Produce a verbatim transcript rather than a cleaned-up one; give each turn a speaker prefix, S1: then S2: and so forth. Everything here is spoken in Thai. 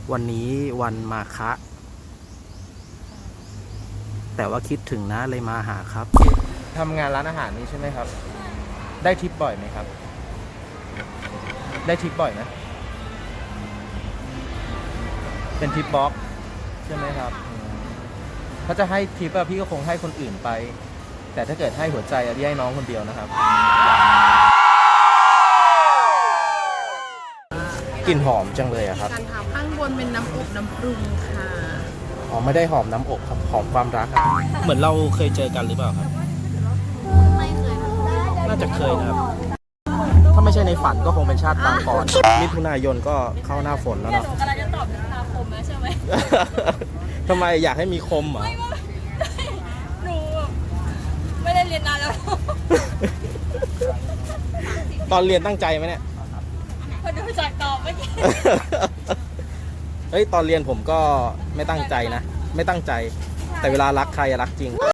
S1: วันนี้วันมาฆะแต่ว่าคิดถึงนะเลยมาหาครับทำงานร้านอาหารนี้ใช่ไหมครับได้ทิปบ่อยไหมครับได้ทิปบ่อยไหมเป็นทิปบ็อกใช่ไหมครับถ้าจะให้ทิปอะพี่ก็คงให้คนอื่นไปแต่ถ้าเกิดให้หัวใจอะพี่ให้น้องคนเดียวนะครับกลิ่นหอมจังเลยอะครับ
S2: การทำข้างบนเป็นน้ำอบน้ำปรุงค่ะ
S1: อ๋อไม่ได้หอมน้ำอบครับหอมความรักครับเหมือนเราเคยเจอกันหรือเปล่าครับ
S2: ไม่เคย
S1: น่าจะเคยนะครับถ้าไม่ใช่ในฝันก็คงเป็นชาติปางก่อนมิถุนายนก็เข้าหน้าฝนแล้วเนาะ
S2: หนูกำลังจะตอบมิถุนาคมนะใช่ไหม
S1: ทำไมอยากให้มีคมเหรอ
S2: หนูไม่ได้เรียนนานแล้ว
S1: ตอนเรียนตั้งใจไหมเนี่ย
S2: พอดูจากตอบเมื่อกี้
S1: เฮ้ยตอนเรียนผมก็ไม่ตั้งใจนะไม่ตั้งใจแต่เวลารักใครรักจริง